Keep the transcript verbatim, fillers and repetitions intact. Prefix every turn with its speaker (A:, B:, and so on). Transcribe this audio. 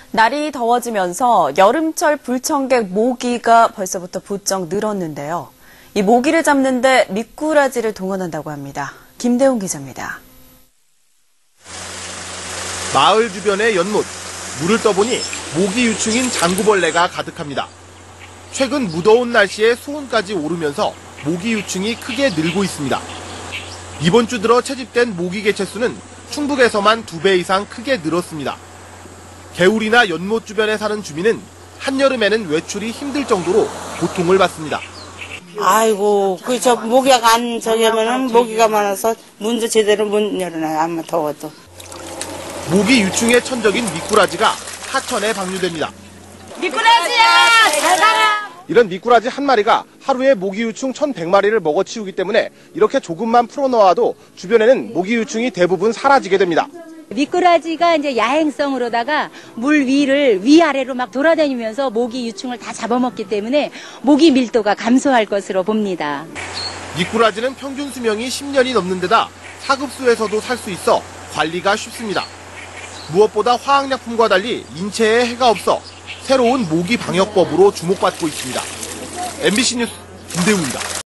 A: 날이 더워지면서 여름철 불청객 모기가 벌써부터 부쩍 늘었는데요. 이 모기를 잡는데 미꾸라지를 동원한다고 합니다. 김대웅 기자입니다.
B: 마을 주변의 연못, 물을 떠보니 모기 유충인 장구벌레가 가득합니다. 최근 무더운 날씨에 수온까지 오르면서 모기 유충이 크게 늘고 있습니다. 이번 주 들어 채집된 모기 개체수는 충북에서만 두 배 이상 크게 늘었습니다. 개울이나 연못 주변에 사는 주민은 한여름에는 외출이 힘들 정도로 고통을 받습니다.
C: 아이고, 그 저 모기가 안 저기 하면은 모기가 많아서 문도 제대로 못 열어놔요. 아마 더워도.
B: 모기 유충의 천적인 미꾸라지가 하천에 방류됩니다.
D: 미꾸라지야, 잘 가라!
B: 이런 미꾸라지 한 마리가 하루에 모기 유충 천백 마리를 먹어치우기 때문에 이렇게 조금만 풀어놓아도 주변에는 모기 유충이 대부분 사라지게 됩니다.
E: 미꾸라지가 이제 야행성으로다가 물 위를 위아래로 막 돌아다니면서 모기 유충을 다 잡아먹기 때문에 모기 밀도가 감소할 것으로 봅니다.
B: 미꾸라지는 평균 수명이 십 년이 넘는 데다 사급수에서도 살 수 있어 관리가 쉽습니다. 무엇보다 화학약품과 달리 인체에 해가 없어 새로운 모기 방역법으로 주목받고 있습니다. 엠비씨 뉴스 김대웅입니다.